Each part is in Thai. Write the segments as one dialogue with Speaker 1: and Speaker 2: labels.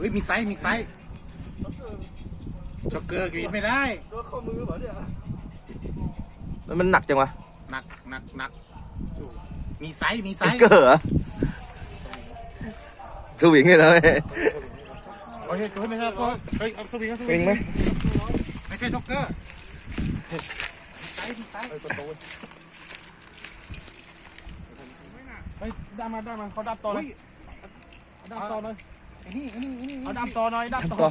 Speaker 1: ฮ้ยมีไซส์จ็อกเกอร์กรีดไม่ได้
Speaker 2: โดนข้อมือเหรอเนี่ย
Speaker 3: มันหนักจังวะ
Speaker 1: หนักมีไซส์
Speaker 3: เกอร์เหรอสวิงเลย
Speaker 2: โอเคตัวไม่ใช่ตัวเฮ้ยเอาสวิง
Speaker 3: สวิงไหม
Speaker 1: ไม่ใช่จ็อกเกอร์มีไซส์
Speaker 2: เฮ้ยได้มาเขาดับต่อเลยดับต่อเลย
Speaker 1: ไอ้นี่
Speaker 2: เอาดับต่อหน่อยดับต่อ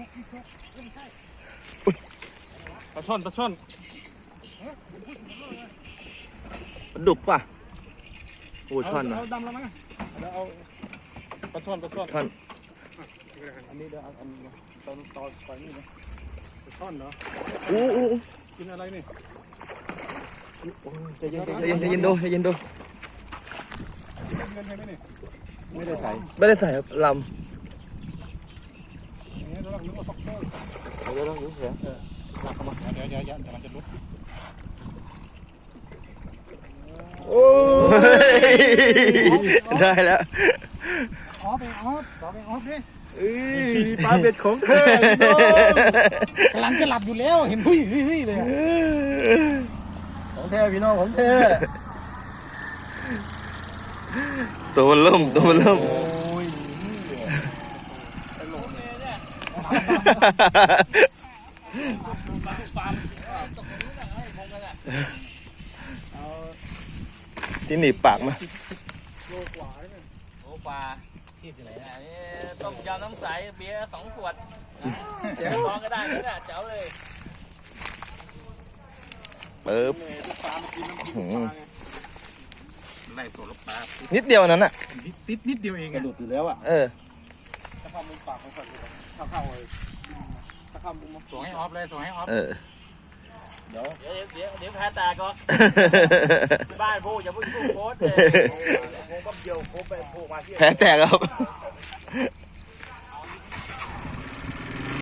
Speaker 2: ปลาช่อน
Speaker 3: ปลาดุกป่ะโอ้ช่อนนะ
Speaker 2: เอาดำแล้วมั้งเดี๋ยวเอาปลาช่อน
Speaker 3: ช่อน
Speaker 2: อันนี้เดี๋ยวอันต่อไปนี่นะปลาช่อนเหรอ
Speaker 3: โอ้
Speaker 2: กินอะไรนี่
Speaker 3: ใจเย็นดู
Speaker 2: เงินใช่ไหมนี่ไม่ได้ใส่
Speaker 3: ไม่ได้ใส่ครับลำ
Speaker 2: อย่างนี้เราต้องนึกว่าซ็อกเกอร์
Speaker 3: เดี๋ยวดูเสีย
Speaker 1: เดี๋ยวมันจะลุก
Speaker 3: โอ้ได้แล้ว
Speaker 1: ออฟดิ
Speaker 3: ปลาเบ็ดของเธอก
Speaker 1: ำลังจะหลับอยู่แล้วเห็นหุ้ยเลย
Speaker 2: ของแท้พี่น้องของแท้
Speaker 3: ตัวมันล่ม
Speaker 2: โอ้ย
Speaker 3: ที่หนีบปากมา
Speaker 2: โลกว่าเนี่ย
Speaker 4: โอ้ปลาที่ไหนนะนี่ต้มยำน้ำใสเบียร์2 ขวดลองก็ได้นี่แหละเจ๋วเลย
Speaker 3: ปึ๊บ
Speaker 2: ทุกปลามากินน้ำพริกปลาไง
Speaker 1: ไล่สวนลูกปลา
Speaker 3: นิดเดียวนั้นอ่ะ
Speaker 1: นิดเดียวเอง
Speaker 2: กระ
Speaker 1: อะ
Speaker 2: ดุดอยู่แล้วอ่ะ
Speaker 3: เออ
Speaker 2: ถ้าเข้ามุมปากของสัตว์ถ้าเข้าเลยถ้าเข้ามุม
Speaker 1: ส่งให้ออฟเลยส่งให้ออฟ
Speaker 3: เออ
Speaker 4: เดี๋ยวแพ้ตาก็บ้านพูดอย่าพูดพูดโค้ดเลย
Speaker 2: ผมก็เดียวผมไปโผล่มาที่
Speaker 3: แผลแตกครับ